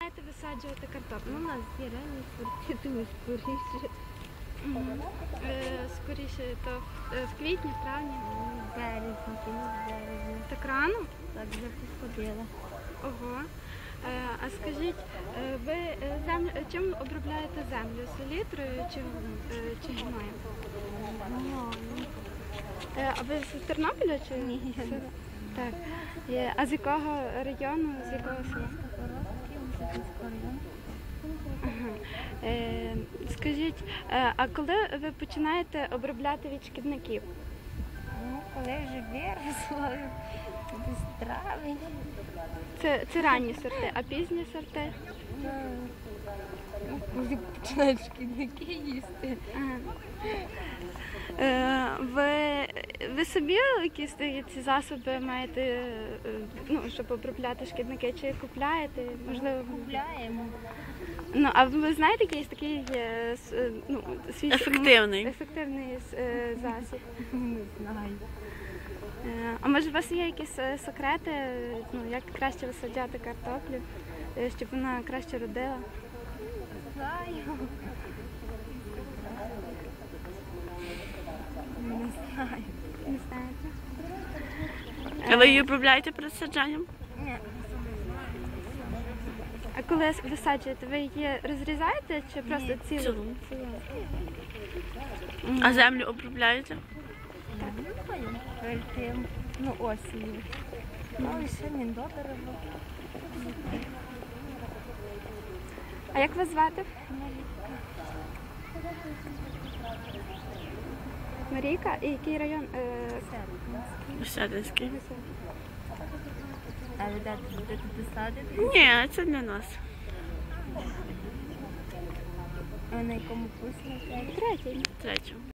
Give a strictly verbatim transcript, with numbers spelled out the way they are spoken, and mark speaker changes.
Speaker 1: починаєте висаджувати картоплю?
Speaker 2: Ну, у нас є ранні сорти, тому скоріше.
Speaker 1: Мгм. Е, Скоріше, то е, в квітні, в травні.
Speaker 2: В березні, кінець березня.
Speaker 1: Так рано?
Speaker 2: Так вже посходила.
Speaker 1: Ого. Е, А скажіть, е, ви е, землю, е, чим обробляєте землю? Селітрою чи, е, чи гноєм?
Speaker 2: Ну,
Speaker 1: Е, А ви з Тернополя чи?
Speaker 2: Ні.
Speaker 1: Так. Є. А з якого району, з якого села? Ага. Е, Скажіть, е, а коли ви починаєте обробляти від шкідників?
Speaker 2: Ну, коли вже виросло, десь травень.
Speaker 1: Це, це ранні сорти, а пізні сорти?
Speaker 2: Ну, коли починають шкідники їсти.
Speaker 1: Ага. Е, ви, ви собі якісь такі ці засоби маєте, е, ну, щоб обробляти шкідники, чи купляєте? Можливо,
Speaker 2: Купляємо.
Speaker 1: ну, а ви знаєте якийсь такий е, с- е, ну, свій
Speaker 3: Ефективний.
Speaker 1: ефективний е, засіб?
Speaker 2: Не знаю.
Speaker 1: Е, А може у вас є якісь е, секрети, е, ну, як краще висаджати картоплю, е, щоб вона краще родила?
Speaker 2: Знаю. Не знаю.
Speaker 1: Не знаєте?
Speaker 3: А ви її обробляєте перед саджанням?
Speaker 2: Ні.
Speaker 1: А коли висаджуєте, ви її розрізаєте чи просто
Speaker 2: Ні,
Speaker 1: цілу?
Speaker 3: цілу.
Speaker 1: Цілу.
Speaker 3: А землю обробляєте?
Speaker 2: Перед тим, ну, осінню. Ну, і ще міндобриво.
Speaker 1: А як вас звати? Марійка? І який район? Е,
Speaker 3: Сядинський.
Speaker 2: А ви дати будете садити?
Speaker 3: Ні, це для нас.
Speaker 2: А на якому курсі навчаєтесь?
Speaker 1: Третій.
Speaker 3: Третю.